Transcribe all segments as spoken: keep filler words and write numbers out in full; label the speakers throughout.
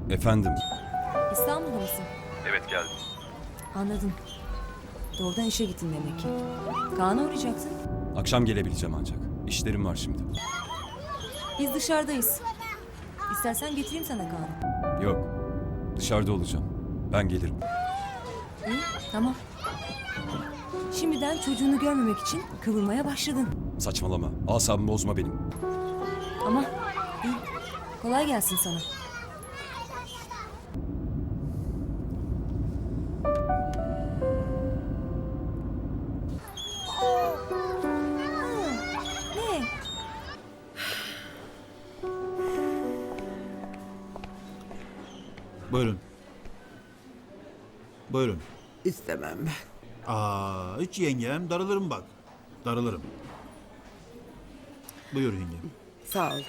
Speaker 1: Efendim?
Speaker 2: İstanbul'da mısın?
Speaker 1: Evet geldim.
Speaker 2: Anladım. Doğrudan işe gittin demek ki. Kaan'a uğrayacaksın.
Speaker 1: Akşam gelebileceğim ancak. İşlerim var şimdi.
Speaker 2: Biz dışarıdayız. İstersen getireyim sana Kaan'ı.
Speaker 1: Yok. Dışarıda olacağım. Ben gelirim.
Speaker 2: İyi, tamam. Şimdiden çocuğunu görmemek için kıvırmaya başladın.
Speaker 1: Saçmalama. Asabımı bozma benim.
Speaker 2: Ama iyi. Kolay gelsin sana. Ne?
Speaker 3: Buyurun. Buyurun.
Speaker 4: İstemem ben.
Speaker 3: Aa, hiç yengem darılırım bak. Darılırım. Buyur yengem.
Speaker 4: Sağ ol.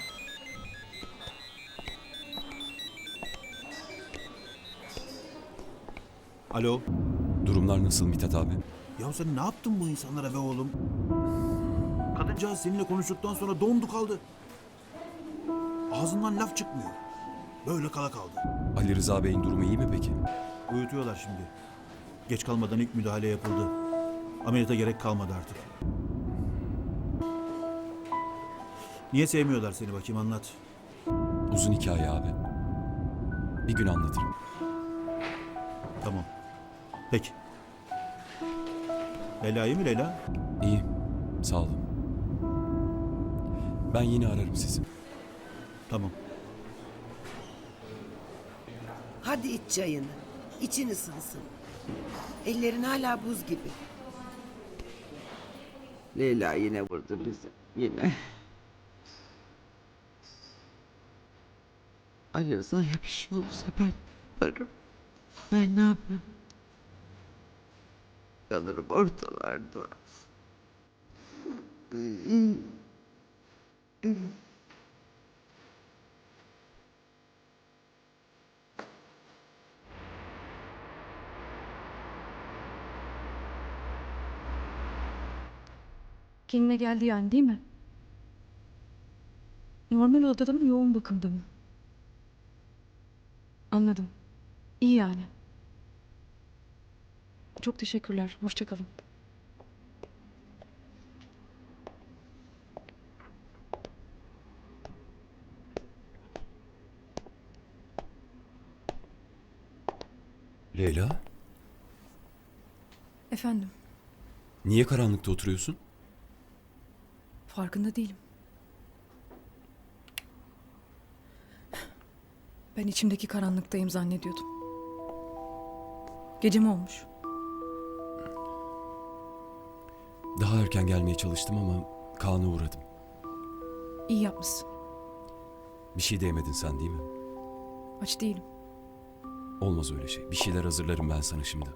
Speaker 3: Alo.
Speaker 1: Durumlar nasıl Mithat abi?
Speaker 3: Ya sen ne yaptın bu insanlara be oğlum? Kadıncağız seninle konuştuktan sonra dondu kaldı. Ağzından laf çıkmıyor. Böyle kala kaldı.
Speaker 1: Ali Rıza Bey'in durumu iyi mi peki?
Speaker 3: Uyutuyorlar şimdi. Geç kalmadan ilk müdahale yapıldı. Ameliyata gerek kalmadı artık. Niye sevmiyorlar seni bakayım anlat.
Speaker 1: Uzun hikaye abi. Bir gün anlatırım.
Speaker 3: Tamam. Peki. Leyla iyi mi Leyla?
Speaker 1: İyi. Sağ olun. Ben yine ararım sizi.
Speaker 3: Tamam.
Speaker 4: Hadi iç çayını. İçin ısınsın. Ellerin hala buz gibi. Leyla yine vurdu bizi. Yine. Ali Rıza'ya bir şey olursa ben yaparım. Ben ne yapayım? Kalırım ortalarda.
Speaker 5: Kendine geldi yani değil mi? Normal odada mı yoğun bakımda mı? Anladım. İyi yani. Çok teşekkürler. Hoşça kalın.
Speaker 1: Leyla,
Speaker 5: Efendim,
Speaker 1: niye karanlıkta oturuyorsun?
Speaker 5: farkında değilim. Ben içimdeki karanlıktayım zannediyordum. Gece mi olmuş?
Speaker 1: Daha erken gelmeye çalıştım ama Kaan'a uğradım.
Speaker 5: İyi yapmışsın.
Speaker 1: Bir şey de yemedin sen değil mi?
Speaker 5: Aç değilim.
Speaker 1: Olmaz öyle şey. Bir şeyler hazırlarım ben sana şimdi.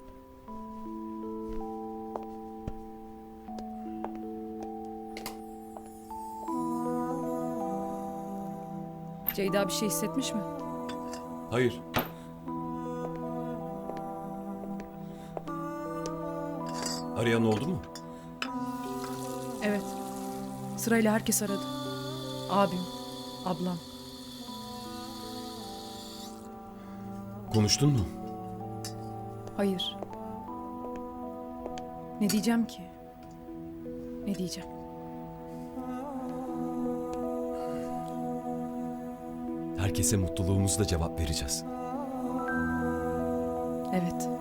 Speaker 5: Ceyda bir şey hissetmiş mi?
Speaker 1: Hayır. Arayan oldu mu?
Speaker 5: Evet. Sırayla herkes aradı. Abim, ablam.
Speaker 1: Konuştun mu?
Speaker 5: Hayır. Ne diyeceğim ki? Ne diyeceğim?
Speaker 1: Herkese mutluluğumuzla cevap vereceğiz.
Speaker 5: Evet.